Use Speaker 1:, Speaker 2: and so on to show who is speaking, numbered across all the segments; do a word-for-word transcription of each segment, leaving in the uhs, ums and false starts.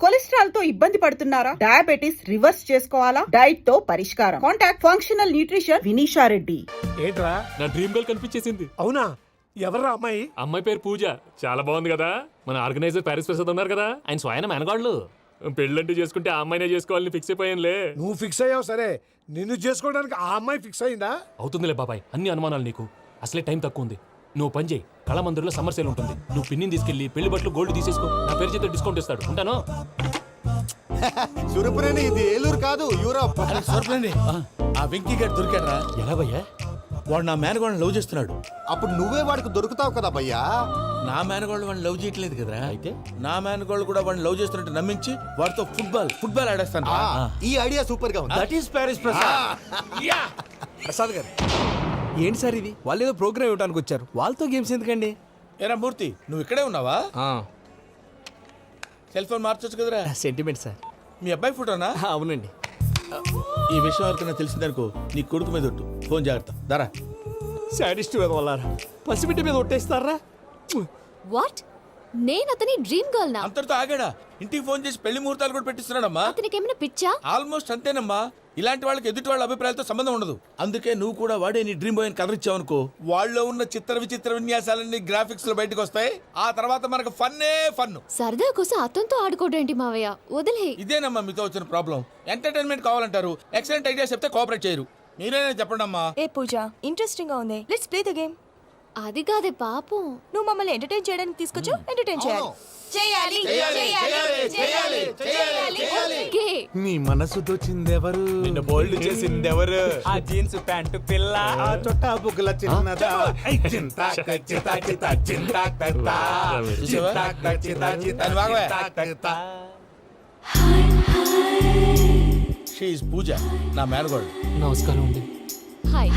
Speaker 1: Cholesterol తో ఇబ్బంది పడుతున్నారా? డయాబెటిస్ రివర్స్ చేసుకోవాలా? డైట్ తో పరిష్కారం. Contact functional nutrition Vinisha Reddy.
Speaker 2: ఏంట్రా
Speaker 3: నా డ్రీమ్ గర్ల్ కనిపించేసింది.
Speaker 2: అవునా? ఎవరా అమ్మాయి?
Speaker 3: అమ్మాయి పేరు పూజ. చాలా బాగుంది కదా. మన ఆర్గనైజర్ ప్యారిస్ ప్రసాద్ ఉన్నారు కదా, ఆయన స్వయం మెనగాళ్ళు. పెళ్ళంటూ చేసుకుంటే ఆ అమ్మాయినే చేసుకోవాలని ఫిక్స్ అయిపోయానులే.
Speaker 2: నువ్వు ఫిక్స్ అయ్యావు సరే, నిన్ను చేసుకోవడానికి ఆ అమ్మాయి ఫిక్స్ అయిందా?
Speaker 3: అవుతుందిలే బాబాయ్, అన్ని అనుమానాలు నీకు. అసలే టైం తక్కువ ఉంది. నువ్వు పని చేయి, కళామందిర్లో సమ్మర్ సేల్ ఉంటుంది. నువ్వు పిన్నిని తీసుకెళ్లి పెళ్లి బట్టలు గోల్డ్ తీసేసుకో. నా పేరు చేత డిస్కౌంట్ ఇస్తాడు. ఉంటాను.
Speaker 4: సురపురేని ఇది ఏలూరు కాదు, యూరోప్.
Speaker 5: సురపురేని ఆ వెంకీ గారు దొరికాడరా?
Speaker 3: ఎలా భయ్యా?
Speaker 5: వాడు నా మేనగోళ్ళని లవ్ చేస్తున్నాడు.
Speaker 4: అప్పుడు నువ్వే వాడికి దొరుకుతావు కదా భయ్యా.
Speaker 5: నా మేనగోళ్ళు వాడిని లవ్ చేయట్లేదు కదరా. అయితే నా మేనగోళ్ళు కూడా వాడిని లవ్ చేస్తున్నట్టు నమ్మించి వాడితో ఫుట్బాల్ ఫుట్బాల్ ఆడేస్తాను.
Speaker 4: ఈ ఐడియా సూపర్ గా ఉంది.
Speaker 5: That is Paris Prasad.
Speaker 6: Prasad గారు ఏంటి సార్ ఇది? వాళ్ళు ఏదో ప్రోగ్రామ్ ఇవ్వడానికి వచ్చారు, వాళ్ళతో గేమ్స్ ఎందుకండి?
Speaker 5: ఏరా మూర్తి, నువ్వు ఇక్కడే ఉన్నావా? సెల్ ఫోన్ మార్చొచ్చు కదరా.
Speaker 6: Sentiment sir.
Speaker 5: మీ అబ్బాయి ఫోటోనా?
Speaker 6: అవునండి.
Speaker 5: ఈ విషయం ఎవరికైనా తెలిసిందనుకో నీ కొడుకు మీద ఒట్టు. ఫోన్ జాగ్రత్త. దారా.
Speaker 6: సాడిస్ట్ మీద వాళ్ళారా? పసిబిడ్డ మీద ఒట్టేస్తారా?
Speaker 7: వాట్? నేను అతని డ్రీమ్ గర్ల్ నా?
Speaker 5: అంతటితో ఆగాడా? ఇంటికి ఫోన్ చేసి పెళ్లి ముహూర్తాలు కూడా పెట్టిస్తున్నాడమ్మా.
Speaker 7: అతనికి ఏమైనా పిచ్చా?
Speaker 5: ఆల్మోస్ట్ అంతేనమ్మా. ఇలాంటి వాళ్ళకి ఎదుటి వాళ్ళ అభిప్రాయాలతో సంబంధం ఉండదు. అందుకే నువ్వు కూడా వాడే నీ డ్రీమ్ బాయ్ కలర్ ఇచ్చావనుకో, వాళ్ళలో ఉన్న చిత్ర విచిత్ర విన్యాసాలన్నీ గ్రాఫిక్స్ లో బయటకు వస్తాయి. ఆ తర్వాత మనకు ఫన్నే ఫన్.
Speaker 7: సరదా కోసం అతనితో ఆడుకోవడం మావయ్య, వదిలే.
Speaker 5: ఇదేనమ్మా మీతో వచ్చిన ప్రాబ్లం. ఎంటర్టైన్మెంట్ కావాలంటారు, ఎక్సలెంట్ ఐడియా చెప్తే కోఆపరేట్ చేయరు. మీరేనే చెప్పండి అమ్మా.
Speaker 8: ఏ పూజ, ఇంట్రెస్టింగ్ గా ఉంది, లెట్స్ ప్లే ద గేమ్.
Speaker 7: అది కాదే పాపం,
Speaker 8: నువ్వు మమ్మల్ని ఎంటర్టైన్ చేయడానికి తీసుకొచ్చు. ఎంటర్టైన్ చేయాలి. చేయాలి
Speaker 5: చేయాలి చేయాలి చేయాలి.
Speaker 7: ఓకే.
Speaker 6: నీ మనసు దోచిందెవరు?
Speaker 5: నిన్ను బోల్డ్ చేసిందెవరు?
Speaker 6: ఆ జీన్స్ ప్యాంటు పిల్ల,
Speaker 2: ఆ చుట్టా బుగ్గల చిన్నదా. చింతా చితా చితా చింతా కత్తా. చింతా చితా చితా
Speaker 5: దాని వాగవే.
Speaker 2: కత్తా.
Speaker 5: షీ ఈజ్ పూజ, నా మేనగోడు.
Speaker 3: నమస్కారం అండి.
Speaker 7: హాయ్.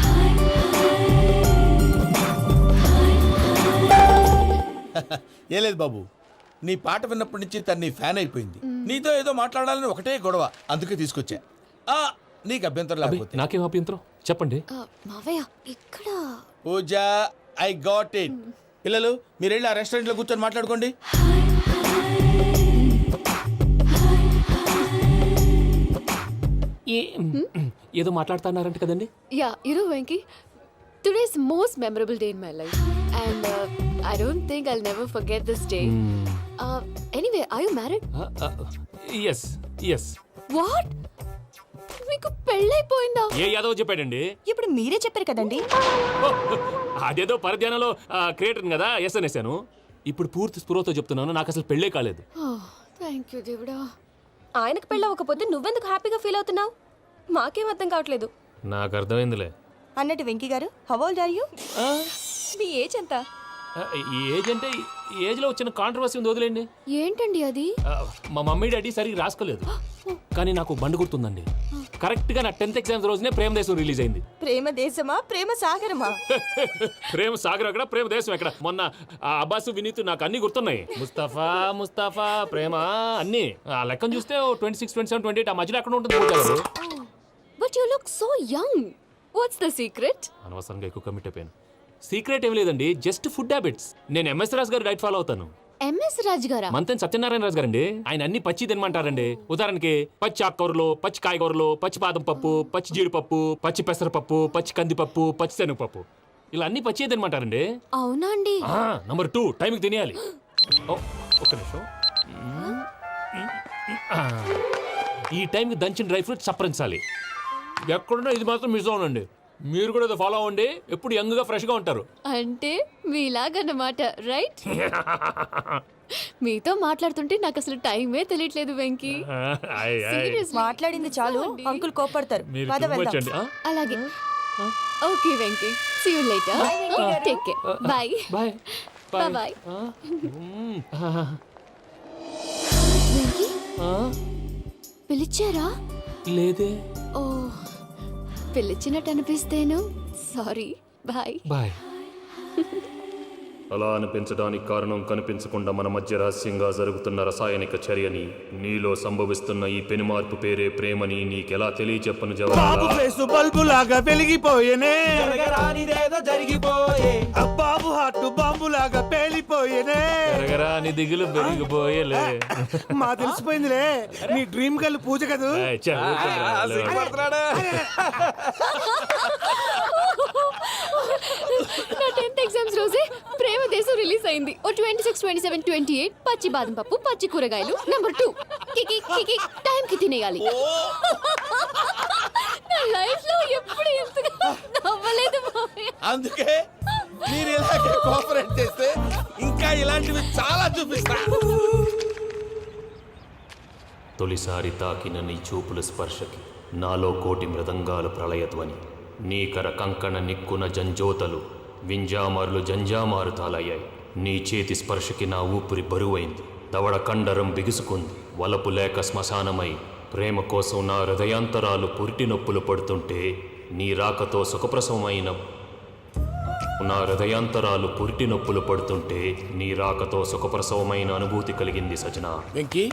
Speaker 5: ఏ లేదు బాబు, నీ పాట విన్నప్పటి నుంచి తను నీ ఫ్యాన్ అయిపోయింది. నీతో ఏదో మాట్లాడాలని ఒకటే గొడవ, అందుకే తీసుకొచ్చా. ఆ నీకు అభ్యంతరం
Speaker 3: అబ్బే,
Speaker 5: లేకపోతే.
Speaker 3: నాకేం అభ్యంతరం చెప్పండి.
Speaker 7: ఆ, మావయ్య ఇక్కడ.
Speaker 5: Pooja, I got it. పిల్లలు మీరు వెళ్ళి ఆ రెస్టారెంట్ లో కూర్చొని మాట్లాడుకోండి.
Speaker 3: ఏ- ఏదో మాట్లాడుతున్నారంట కదండి.
Speaker 7: Yeah, you know Venky, today's most memorable day in my life and I don't think I'll never forget this day. Anyway, are you married?
Speaker 3: Yes yes.
Speaker 7: What? మీకు పెళ్ళైపోయిందా?
Speaker 3: ఏ యాదవ్ చెప్పాడండి?
Speaker 8: ఇప్పుడు మీరే చెప్పారు కదండి.
Speaker 3: ఓ, అదేదో పరధ్యానంలో క్రియేటర్ కదా ఎస్ అనేసాను. ఇప్పుడు పూర్తి స్పృహతో చెప్తున్నాను, నాకు అసలు పెళ్ళే కాలేదు.
Speaker 7: థ్యాంక్ యూ దేవుడా.
Speaker 8: ఆయనకు పెళ్ళి అవ్వకపోతే నువ్వెందుకు హ్యాపీగా ఫీల్ అవుతున్నావు? మాకేం అర్థం కావట్లేదు.
Speaker 3: నాకు అర్థమైందిలే.
Speaker 8: అన్నట్టు వెంకీ గారు, హౌ ఓల్డ్ ఆర్ యు? మీ ఏజ్ ఎంత?
Speaker 3: ఈ ఏజ్ అంటే ఈ ఏజ్ లో వచ్చిన కాంట్రవర్సీ ఉంది, వదిలేండి.
Speaker 7: ఏంటండి అది?
Speaker 3: ఆ, మా మమ్మీ డాడీ సరిగ్గా రాసుకోలేదు, కానీ నాకు బండి గుర్తుందండి. కరెక్ట్ గా నా టెన్త్ ఎగ్జామ్స్ రోజునే ప్రేమ దేశం రిలీజ్ అయింది.
Speaker 8: ప్రేమ దేశమా ప్రేమ సాగరమా?
Speaker 3: ప్రేమ సాగర్ ఎక్కడ, ప్రేమ దేశం ఎక్కడ? మొన్న ఆ అబ్బాసు వినీత్ నాకు అన్ని గుర్తున్నాయి. ముస్తఫా ముస్తఫా ప్రేమ అన్ని ఆ లెక్కను చూస్తే twenty six twenty seven twenty eight ఆ మధ్యలో ఎక్కడ ఉంటుంది పూజ గారు?
Speaker 7: But you look so young. What's the secret?
Speaker 3: అనవసరంగా ఎక్కువ కమిట్ అయిపోయాను. సీక్రెట్ ఏం లేదండి, జస్ట్ ఫుడ్ హ్యాబిట్స్. నేను ఎంఎస్ రాజు గారు డైట్ ఫాలో అవుతాను.
Speaker 7: ఎంఎస్ రాజ్ గారా?
Speaker 3: మంతెన్ సత్యనారాయణ రాజు గారండి. ఆయన అన్ని పచ్చి తినమంటారండి. ఉదాహరణకి పచ్చి ఆకుకూరలు, పచ్చి కాయగూరలు, పచ్చి బాదం పప్పు, పచ్చి జీడిపప్పు, పచ్చి పెసరపప్పు, పచ్చి కందిపప్పు, పచ్చి శనగపప్పు, ఇలా అన్ని పచ్చి తినమంటారండి.
Speaker 7: అవునా అండి?
Speaker 3: నంబర్ టూ, టైంకి తినేయాలి. ఓ, ఒక్క నిమిషం. ఆ, ఈ టైంకి దంచిన డ్రై ఫ్రూట్స్ సప్పరించాలి. ఎక్కడున్నా ఇది మాత్రం మిస్ అవునండి. మీరు కూడా ఇది ఫాలో అవ్వండి, ఎప్పుడు యంగ్ గా ఫ్రెష్ గా ఉంటారు.
Speaker 7: అంటే మీలాగన్నమాట, రైట్? మీతో మాట్లాడుతుంటే నాకు అసలు టైమే తెలియట్లేదు వెంకీ. Seriously.
Speaker 8: మాట్లాడింది చాలు, అంకుల్ కోపడతారు.
Speaker 3: మీరు
Speaker 8: పద
Speaker 3: too much
Speaker 8: వెళ్దాం.
Speaker 3: అండి. ఆ?
Speaker 7: అలాగే. Okay Venky, see you later. Take care. Bye
Speaker 3: bye
Speaker 7: bye bye. Venky, పిలిచారా?
Speaker 3: లేదే.
Speaker 7: ఓ, పిలిచినట్టు అనిపిస్తేను. సారీ. Bye
Speaker 3: bye. అలా అనిపించడానికి కారణం కనిపించకుండా మన మధ్య రహస్యంగా జరుగుతున్న రసాయనిక చర్యని, నీలో సంభవిస్తున్న ఈ పెనుమార్పు పేరే ప్రేమని నీకెలా తెలియచెప్పను
Speaker 2: బాబు
Speaker 3: జవాబు.
Speaker 2: ఫేసు బల్బు లాగా వెలిగిపోయేనే
Speaker 6: జరగరానిదేదో జరిగిపోయే
Speaker 2: ఆ బాబు హార్ట్ బాంబు లాగా పేలిపోయేనే
Speaker 3: ఎరగరా నీ దిగులు పెరిగిపోయేలే.
Speaker 2: మా తెలిసిపోయిందిలే నీ డ్రీమ్ గర్ల్ పూజ కదూ
Speaker 3: ఏయ్, చా, ఊరుకోరా.
Speaker 7: నా టెన్త్ ఎగ్జామ్స్ రోజే ప్రేమ దేశం రిలీజ్ అయింది. ఓ twenty six twenty seven twenty eight పచ్చి బాదం పప్పు, పచ్చి కూరగాయలు. నెంబర్ టూ కికి కికి టైం కి తినేయాలి. నా లైఫ్ లో ఎప్పుడు ఎంతగా నవ్వలేదు మామయ్య.
Speaker 5: అందుకే మీరు ఇలాగే కోఆపరేట్ చేస్తే ఇంకా ఇలాంటివి చాలా చూపిస్తా.
Speaker 3: తొలిసారి తాకిన నీ చూపుల స్పర్శకి నాలో కోటి మృదంగాలు ప్రళయధ్వని. నీకర కంకణ నిక్కున జంజోతలు వింజామారులు జంజామారు తాలయ్యాయి. నీ చేతి స్పర్శకి నా ఊపిరి బరువైంది. దవడ కండరం బిగుసుకుంది. వలపు లేక శ్మశానమై ప్రేమ కోసం నా హృదయాంతరాలు పురిటి నొప్పులు పడుతుంటే నీ రాకతో సుఖప్రసవమైన నా హృదయాంతరాలు పురిటి నొప్పులు పడుతుంటే నీ రాకతో సుఖప్రసవమైన అనుభూతి కలిగింది సజనా.
Speaker 5: వెంకీ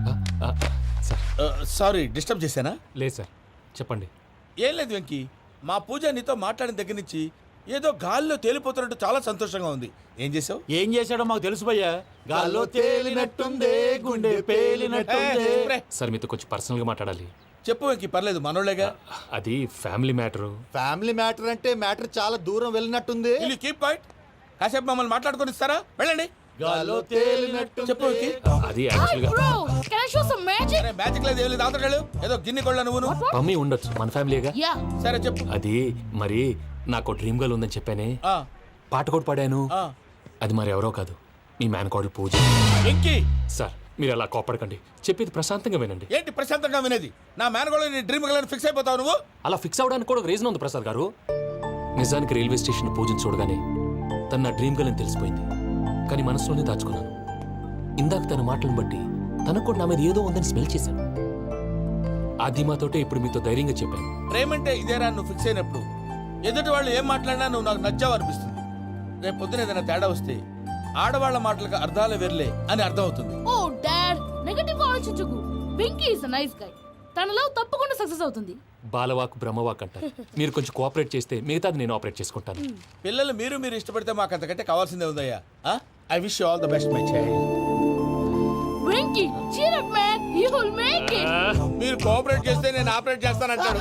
Speaker 5: సారీ డిస్టర్బ్ చేశానా?
Speaker 3: లేదు సార్, చెప్పండి.
Speaker 5: ఏం లేదు వెంకీ, మా పూజ నీతో మాట్లాడిన దగ్గర నుంచి ఏదో గాల్లో తేలిపోతున్నట్టు చాలా సంతోషంగా ఉంది. ఏం చేసావు?
Speaker 2: ఏం చేశాడో మాకు తెలుసు భయ్యా. గాల్లో తేలినట్టుందే గుండె పేలినట్టుందే.
Speaker 3: సార్ మీతో కొంచెం పర్సనల్గా మాట్లాడాలి.
Speaker 5: చెప్పు వెంకీ, పర్లేదు మనోళ్ళేగా.
Speaker 3: అది ఫ్యామిలీ మ్యాటరు.
Speaker 4: ఫ్యామిలీ మ్యాటర్ అంటే మ్యాటర్ చాలా దూరం వెళ్ళినట్టుంది.
Speaker 5: Will you keep quiet? కాసేపు మమ్మల్ని మాట్లాడుకొని ఇస్తారా? వెళ్ళండి.
Speaker 2: గాల్లో తేలినట్టు
Speaker 5: చెప్పు వెంకీ.
Speaker 3: అది యాక్చువల్గా
Speaker 5: అరే మ్యాజిక్ లేదు, ఏం లేదు, ఆతడాలు ఏదో గిన్నె కొళ్ళ నువ్వును.
Speaker 3: మమ్మీ ఉండొచ్చు, మన ఫ్యామిలీగా.
Speaker 5: సరే చెప్పు.
Speaker 3: అది మరి నాకు డ్రీమ్ గర్ల్ ఉందని చెప్పానే,
Speaker 5: ఆ,
Speaker 3: పాట కూడా పాడాను.
Speaker 5: ఆ.
Speaker 3: అది మరి ఎవరో కాదు, మీ మేనకోడలు పూజ.
Speaker 5: వెంకీ
Speaker 3: సార్ మీరు అలా కోపడకండి, చెప్పేది ప్రశాంతంగా వినండి.
Speaker 5: ఏంటి ప్రశాంతంగా వినేది? నా మేనగోళ నీ డ్రీమ్ గలని ఫిక్స్ అయిపోతావు నువ్వు.
Speaker 3: అలా ఫిక్స్ అవడానికి కూడా ఒక రీజన్ ఉంది ప్రసాద్ గారు. నిజానికి రైల్వే స్టేషన్ పూజను చూడగానే తన నా డ్రీమ్ గర్ల్ అని తెలిసిపోయింది. కానీ మనసులోనే దాచుకున్నాను. ఇందాక తన మాటలను బట్టి తనకు కూడా నా మీద ఏదో ఉందని స్మెల్ చేశాను. ఆ ధీమాతోటే ఇప్పుడు మీతో ధైర్యంగా చెప్పాను.
Speaker 5: ప్రేమంటే ఇదేరా నువ్వు ఫిక్స్ అయినప్పుడు ఎదుటి వాళ్ళు ఏం మాట్లాడినా నువ్వు నాకు నచ్చావు అనిపిస్తుంది. రేపు పొద్దున ఏదైనా తేడా వస్తే ఆడవాళ్ల మాటలకు అర్థాలు వెర్లే అని అర్థం అవుతుంది.
Speaker 9: ఓ డాడ్, నెగటివ్ ఆలోచించకు. Venky is a nice guy. తన లవ్ తప్పకుండా సక్సెస్ అవుతుంది.
Speaker 3: బాలవాక్ బ్రహ్మవాక్ అంటారు. మీరు కొంచెం కోఆపరేట్ చేస్తే మిగతాది నేను ఆపరేట్ చేసుకుంటాను.
Speaker 5: పిల్లలు మీరు మీరు ఇష్టపడితే మాకు అంతకంటే కావాల్సిందే ఉందయ్యా. I wish you all the best my child.
Speaker 9: Venky cheer up man, you will make it.
Speaker 5: మీరు కోఆపరేట్ చేస్తే నేను ఆపరేట్ చేస్తానంటాడు.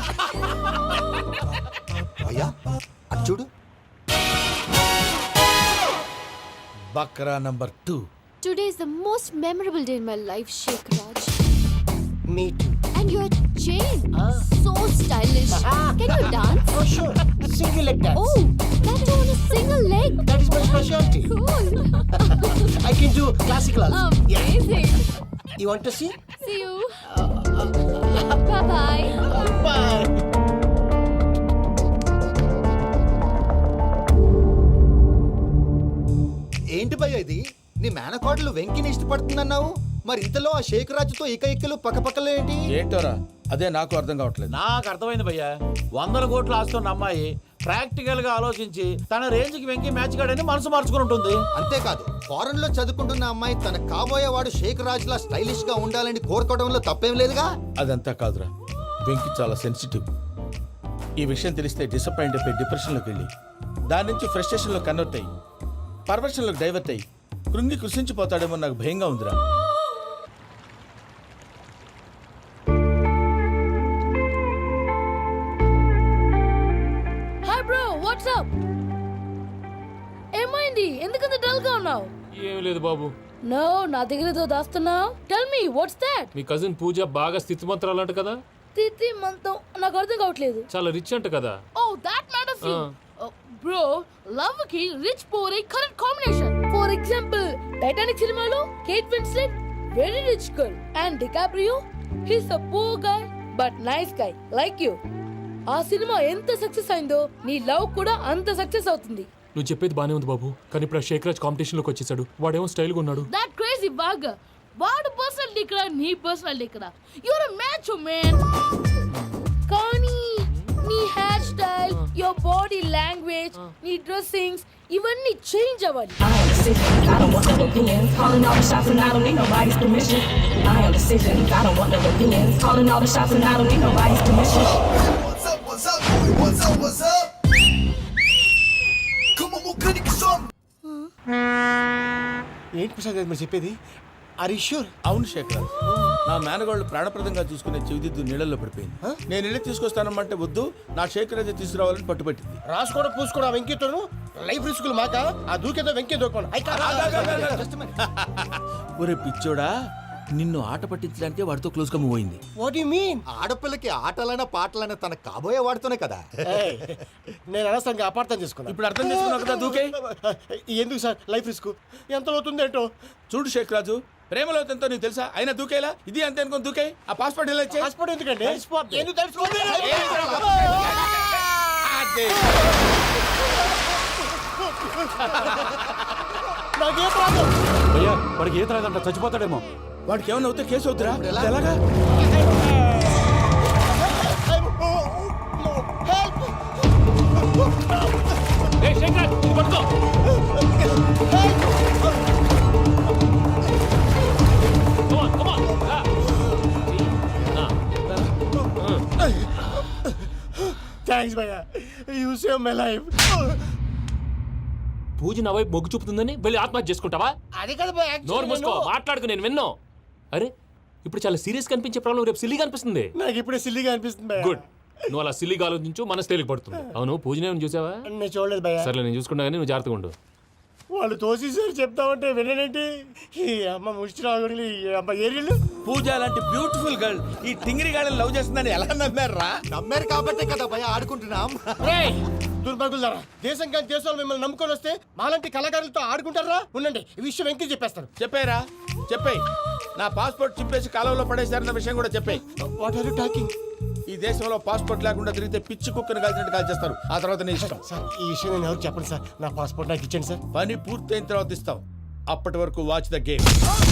Speaker 4: అయ్యా అది చూడు.
Speaker 5: బక్రా number two.
Speaker 7: Today is the most memorable day in my life, Sheikh Raj.
Speaker 10: Me too.
Speaker 7: And your chain, so stylish. Can you dance?
Speaker 10: Oh, sure. Single leg dance.
Speaker 7: Oh, that too on a single leg.
Speaker 10: That is my specialty.
Speaker 7: Cool.
Speaker 10: I can do classical also.
Speaker 7: Amazing.
Speaker 10: You want to see?
Speaker 7: See you. Bye bye.
Speaker 10: Bye.
Speaker 4: ఏంటి భయ్య ఇది? నీ మేనకోడలు వెంకిని ఇష్టపడుతుందన్నావు, మరి ఇంతలో ఆ షేక్ రాజుతో ఇక ఇక్కలు పక్కపక్కలు ఏంటి?
Speaker 5: ఏంటోరా అదే నాకు అర్థం కావట్లేదు.
Speaker 2: నాకు అర్థమైంది భయ్యా. వందల కోట్లు ఆస్తున్న అమ్మాయి ప్రాక్టికల్ గా ఆలోచించి తన రేంజ్ కి వెంకి మ్యాచ్ కాడని మనసు మార్చుకుని ఉంటుంది.
Speaker 4: అంతేకాదు, ఫారెన్ లో చదువుకుంటున్న అమ్మాయి తన కాబోయేవాడు షేక్ రాజ్ లా స్టైలిష్ గా ఉండాలని కోరుకోవడంలో తప్పేం లేదుగా.
Speaker 5: అదంతా కాదురా, వెంకి చాలా సెన్సిటివ్. ఈ విషయం తెలిస్తే డిసప్పాయింట్ అయిపోయి డిప్రెషన్లోకి వెళ్ళి దాని నుంచి ఫ్రస్ట్రేషన్లో కన్వర్ట్ అయ్యి పర్వర్షన్లోకి డైవర్ట్ అయ్యి కృంగి కృషించిపోతాడేమో నాకు భయంగా ఉందిరా.
Speaker 9: Hi bro, what's up? ఏమైంది? ఎందుకంత డల్ గా ఉన్నావు?
Speaker 3: ఏం లేదు బాబు.
Speaker 9: నో, నా దగ్గర ఏదో దాస్తున్నావు. Tell me what's that?
Speaker 3: మీ కజిన్ పూజ బాగా స్థితిమంతరాలు అంట కదా.
Speaker 9: తిత్తి మంతం నాకు అర్థం కావట్లేదు.
Speaker 3: చాలా రిచ్ అంట కదా.
Speaker 9: Oh that matters you. Bro, love కి rich poor a correct combination. For example Titanic సినిమాలో Kate Winslet very rich girl and DiCaprio he's a poor guy but nice guy like you. ఆ సినిమా ఎంత success అయిందో నీ love కూడా అంత success అవుతుంది.
Speaker 3: నువ్వు చెప్పేది బానే ఉంది బాబు, కానీ ఇప్పుడు షేక్ రాజ్ కాంపిటీషన్ లోకి వచ్చేసాడు. వాడేమో స్టైల్ గా ఉన్నాడు.
Speaker 9: దట్ క్రేజీ బాగా. వాడు పర్సనాలిటీ ఇక్కడ, నీ పర్సనాలిటీ ఇక్కడ. Your a match man. కానీ నీ hair style, your body language, నీ dressings, ఇవన్నీ చేంజ్ అవ్వాలి.
Speaker 11: I am decision. I don't want no opinions. Calling all the shots and I don't need nobody's permission. I am decision. I don't want no opinions. Calling all the shots and I don't need nobody's permission.
Speaker 2: What's up, what's up, boy? What's up, what's up? Come on, mukani ki song.
Speaker 10: ఏంటి ప్రసాద్ గారు మీరు చెప్పేది? Are you sure?
Speaker 5: అవును శేఖర్, నా మేనగోళ్ళు ప్రాణప్రదంగా చూసుకునే చెవిదిద్దు నీళ్ళల్లో పడిపోయింది. నేను వెళ్ళి తీసుకొస్తానమ్మంటే వద్దు, నా శేఖర్ అయితే తీసుకురావాలని పట్టుబట్టింది.
Speaker 10: రాసుకోవడం పూసుకోవడం ఆ వెంకీతోను లైఫ్ రిస్కులు మాక ఆ దూకేదో వెంకీ దూకోండి.
Speaker 5: ఒరే పిచ్చోడా, నిన్ను ఆట పట్టించడానికే వాడితో క్లోజ్ గా మూవ్ అయింది.
Speaker 10: What you mean?
Speaker 4: ఆడపిల్లకి ఆటలైనా పాటలైనా తన కాబోయే వాడితోనే కదా.
Speaker 10: నేను అనవసరంగా అపార్థం చేసుకున్నా.
Speaker 5: ఇప్పుడు అర్థం చేసుకున్నావు కదా దూకే.
Speaker 10: ఎందుకు సార్ లైఫ్ రిస్క్ ఎంత అవుతుంది ఏంటో?
Speaker 5: చూడు శేఖర్ రాజు, ప్రేమలో ఎంతో నీకు తెలుసా? అయినా దూకేలా ఇది అంతే అనుకుని దూకే. ఆ పాస్పోర్ట్ ఎలా ఇచ్చే?
Speaker 10: పాస్పోర్ట్ ఎందుకండి? ఎందుకు తెలుసుకోండి? నాకేం ప్రాబ్లం?
Speaker 6: భయ్యా వాడికి ఈత రాదంట, చచ్చిపోతాడేమో.
Speaker 5: వాడికి ఏమన్నా అవుతే కేసు అవుతురా? ఎలాగా?
Speaker 10: థ్యాంక్స్ భయ్యా, you save my life.
Speaker 3: Pooja నా వైపు మొగ్గు చూపుతుందని వెళ్ళి ఆత్మహత్య చేసుకుంటావా?
Speaker 10: అది కదా భయ్యా,
Speaker 3: నోరు మూసుకో, మాట్లాడుకు, నేను విన్నో. అరే ఇప్పుడు చాలా సీరియస్ కనిపించే ప్రాబ్లం రేపు సిల్లీగా అనిపిస్తుంది.
Speaker 10: నాకు ఇప్పుడే సిల్లీగా అనిపిస్తుంది భయ్యా.
Speaker 3: గుడ్, నువ్వు అలా సిల్లీగా ఆలోచించు, మనసు తేలిక పడుతుంది. అవును పూజనే చూసావా?
Speaker 10: నేను చూడలేదు భయ్యా.
Speaker 3: సర్లే నేను చూసుకుంటా కానీ నువ్వు జాగ్రత్తగా ఉండు.
Speaker 10: వాళ్ళు తోసేసారు చెప్తామంటే విననేంటి? ఈ అమ్మ ముష్టి రాగుడి అమ్మ ఏరియాలు.
Speaker 5: పూజ లాంటి బ్యూటిఫుల్ గర్ల్ ఈ టింగిరి గాడిని లవ్ చేస్తుందని ఎలా నమ్మారా?
Speaker 4: నమ్మారు కాబట్టే కదా భయ ఆడుకుంటున్నాం.
Speaker 10: దుర్భగులారా, దేశం కానీ దేశాలు మిమ్మల్ని నమ్ముకొని వస్తే మాలాంటి కళాకారులతో ఆడుకుంటారా? ఉండండి, ఈ విషయం వెంకీ చెప్పేస్తాను.
Speaker 5: చెప్పారా? చెప్పేయ్. నా పాస్పోర్ట్ చింపేసి కాలువలో పడేశారన్న విషయం కూడా చెప్పేయ్.
Speaker 10: What are you talking?
Speaker 5: ఈ దేశంలో పాస్పోర్ట్ లేకుండా తిరిగితే పిచ్చి కుక్కను కాల్చినట్టు కాల్చేస్తారు. ఆ తర్వాత నీ ఇష్టం.
Speaker 10: సార్ ఈ విషయం నేను ఎవరికి చెప్పండి సార్. నా పాస్పోర్ట్ నాకు ఇచ్చండి సార్.
Speaker 5: పని పూర్తయిన తర్వాత ఇస్తాం. అప్పటి వరకు వాచ్ ద గేమ్.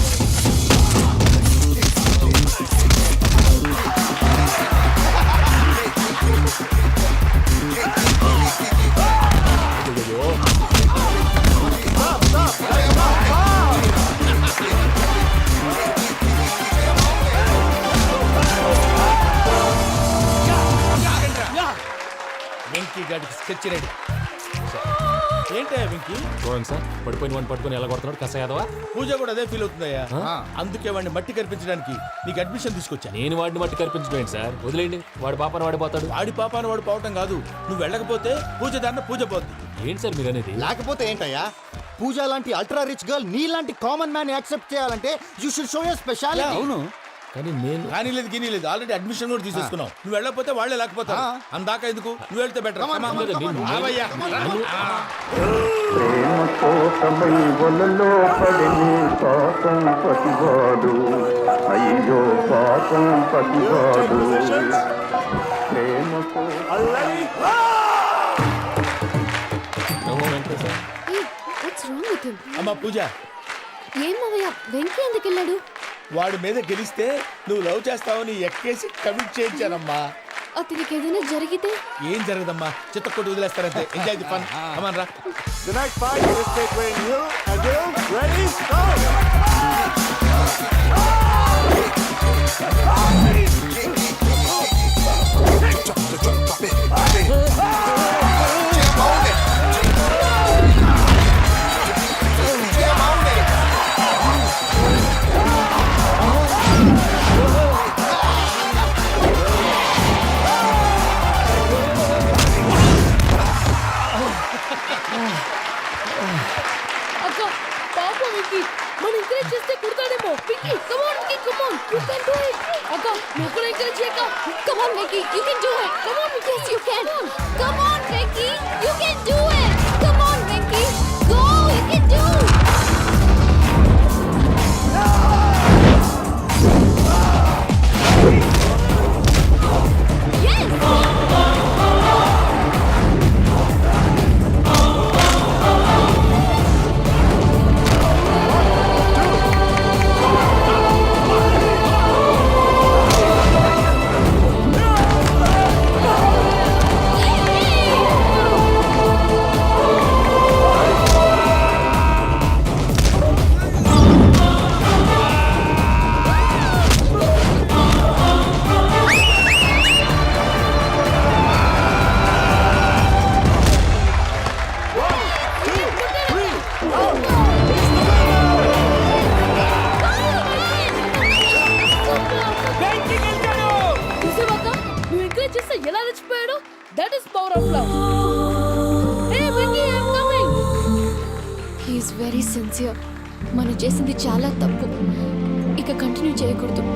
Speaker 5: వెంకీ గాడికి స్కెచ్ రెడీ. ఏంటా వెంకీ?
Speaker 3: చూడండి సార్, పడిపోయిన వాడిని పట్టుకొని ఎలా కొడుతున్నాడు కస యాదవా.
Speaker 5: పూజ కూడా అదే ఫీల్ అవుతుందయ్యా. అందుకే వాడిని మట్టి కనిపించడానికి నీకు అడ్మిషన్ తీసుకొచ్చా.
Speaker 3: నేను వాడిని మట్టి కనిపించలేదు సార్, వదిలేండి. వాడి పాపను వాడిపోతాడు.
Speaker 5: వాడి పాపాన వాడు పోవటం కాదు, నువ్వు వెళ్ళకపోతే పూజ దాన్న పూజ పోద్ది.
Speaker 3: ఏంటి సార్ మీరు అనేది?
Speaker 4: లేకపోతే ఏంటయ్యా? పూజ లాంటి అల్ట్రా రిచ్ గర్ల్ నీ లాంటి కామన్ మ్యాన్ యాక్సెప్ట్ చేయాలంటే you should show your speciality.
Speaker 5: అవును,
Speaker 3: కానీ నేను
Speaker 5: కానీ లేదు గిని లేదు, ఆల్రెడీ అడ్మిషన్ కూడా తీసేసుకున్నావు. నువ్వు వెళ్ళకపోతే వాళ్ళే లేకపోతారు. అందాక ఎందుకు, నువ్వు వెళ్తే బెటర్.
Speaker 12: అయ్యో పాపం పతివాడు
Speaker 5: అమ్మా పూజ,
Speaker 7: ఏం మావయ్య, వెంకీ ఎందుకు వెళ్ళాడు?
Speaker 5: వాడి మీద గెలిస్తే నువ్వు లవ్ చేస్తావని ఎక్కేసి కమిట్ చేయించానమ్మా.
Speaker 7: అతనికి ఏదైనా జరిగితే?
Speaker 5: ఏం జరగదమ్మా, చిత్తకొట్టి వదిలేస్తారంతే. Enjoy the fun. కమాన్ రా.
Speaker 2: The next fight is between you and you. Ready? Go!
Speaker 9: అక్క పాప వెంకీ, మనం ఎంకరేజ్ చేస్తే కుడతాడేమో. Venky come on Venky, come on, you can do it. అక్క నువ్వు కూడా ఎంకరేజ్ చేయక.
Speaker 7: Come on, Vicky, you can do it. Come on, yes, you can. Come on, Vicky, you can do it. Come on, Vicky, go, you can do it. Yes. Yay!
Speaker 9: చేస్తే ఎలా రెచ్చిపోయాడు? That is power of love. Hey Venky, I am coming.
Speaker 7: He's very sincere. మనం చేసింది చాలా తప్పు, ఇక continue చేయకూడదు.